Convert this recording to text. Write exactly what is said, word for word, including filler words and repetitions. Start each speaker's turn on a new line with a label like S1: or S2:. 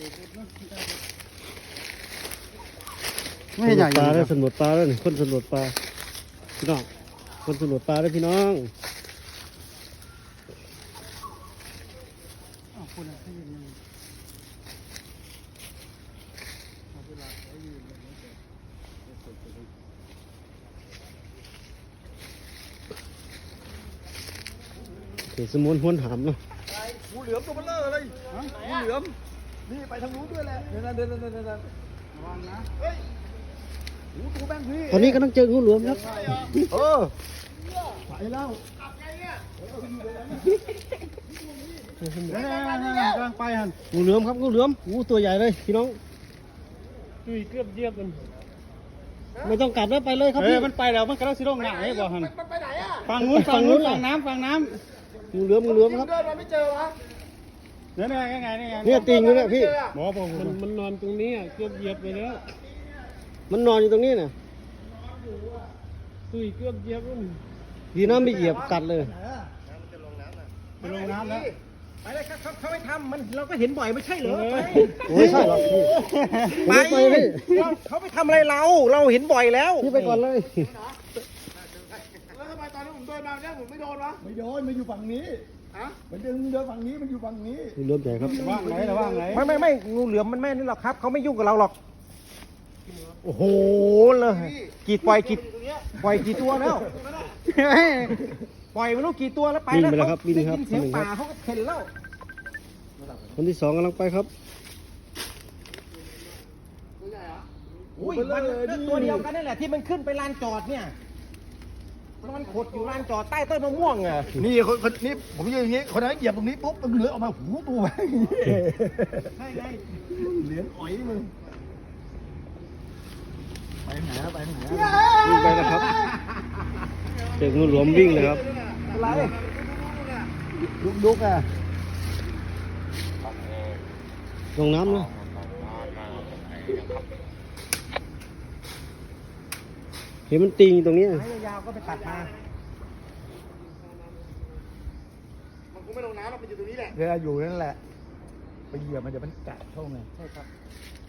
S1: ไม่ใหญ่ปลาได้สำรวจปลาแล้วนี่คนสำรวจปลาพี่น้องคนสำรวจปลาได้พี่น้องเดี๋ยวสมุนห้วนหามเนาะ
S2: งูเหลือมตัวเบลอเลยงูเหลือมนี่ไปทางนู้นด้วยแหละเดินเดินเดินเดินเดินระวังนะเฮ้ยงูตัวแบงพี่
S1: ตอนนี้กำลังเจองูเหลือมครับ
S2: เออไปแล้วกำลังไปฮัน
S1: งูเหลือมครับงูเหลือมงูตัวใหญ่เลยพี่น้อง
S3: ดุยเกือบเยียบกัน
S1: ไม่ต้องกัดแล้วไปเลยครับ
S2: เฮ้
S1: พี่
S2: ยมันไปแล้วมันกำลังสิลงหนังไอ้บ่ฮัน
S4: มันไปไหนอ่ะ
S2: ฝั่งนู้นฝั่งนู้นฝั่งน้ำฝั่งน้ำ
S1: งูเหลือมงูเหลือมครับ
S4: เดินมาไม่เจอวะ
S2: เนี่ยเนี่ยไงไงไง
S1: เนี่ยตีนอยู่เนี่ยพี่
S2: หมอบอก
S3: มันมันนอนตรงนี้อ่ะเกือบเหยียบไปแล้ว
S1: มันนอนอยู่ตรงนี้น่ะ
S3: ดุยเกือบเหยียบกัน
S1: ดีนะไม่เหยียบกัดเลย
S2: ไปลงน้ำแล้ว
S4: ไปเลยเขาเขาไม่ทำมันเราก็เห็นบ่อยไม่ใช่เหรอ
S1: โอ้ยใช่หรอกพี่
S4: ไป
S1: ไปพี่
S4: เขาไปทำอะไรเราเราเห็นบ่อยแล้ว
S1: พี่ไปก่อนเลย
S4: แล้วทำไมตอนนั้นผมเดินมาเนี่ยผมไม่โดนวะ
S2: ไม่โดนมันอยู่ฝั่งนี้
S4: ฮะ
S2: มันเดินเดินฝั่งนี้มันอยู่ฝั่งนี้
S1: งูเหลือมใหญ่ครับ
S2: ว่างไหนระว่างไหน
S4: ไม่ไม่ไม่งูเหลือมมันไม่นี่หรอกครับเขาไม่ยุ่งกับเราหรอกโอ้โหเลยกี่ปล่อยกี่ปล่อยกี่ตัวแล้วปล่อยไม่รู้กี่ตัวแล้วไป
S1: วิ่ง
S4: แล้ว
S1: ไปแล้วครับวิ่งครับ
S4: ได้ยินเสียง
S1: คนหนึ่งค
S4: ป่า
S1: รับ
S4: เขาก็เห็นแล้ว
S1: คนที่สองกำลังไปครับ
S4: อุ้ยมันตัวเดียวกันนี่แหละที่มันขึ้นไปลานจอดเนี่ยมันขดอยู่ลานจอดใต้ต้นมะม่วงอ่ะ
S2: นี่คนคนนี้ผมยืนอย่างนี้คนนั้นเหยียบตรงนี้ปุ๊บมันเหลือออกมาหูตัวไป
S4: ใช่ไง
S2: เหลืออ๋อยมึงไปไหนแล้วไปไหน
S1: วิ่งไปแล้วครับเจองูเหลือมวิ่งเลยครับ
S4: อะไร
S2: ลุกลุกอ่ะ
S1: ลงน้ำเลยเห็นมันติงอยู่ตรงนี้
S4: ไม้ยาวๆก็ไปตัดมา
S2: มันคงไม่ลงน้ำมันอยู่ตรงนี้แหละเวลาอยู่นั่นแหละไปเหยียบมันจะมันกัดเข้าไง
S4: ใช่ครับ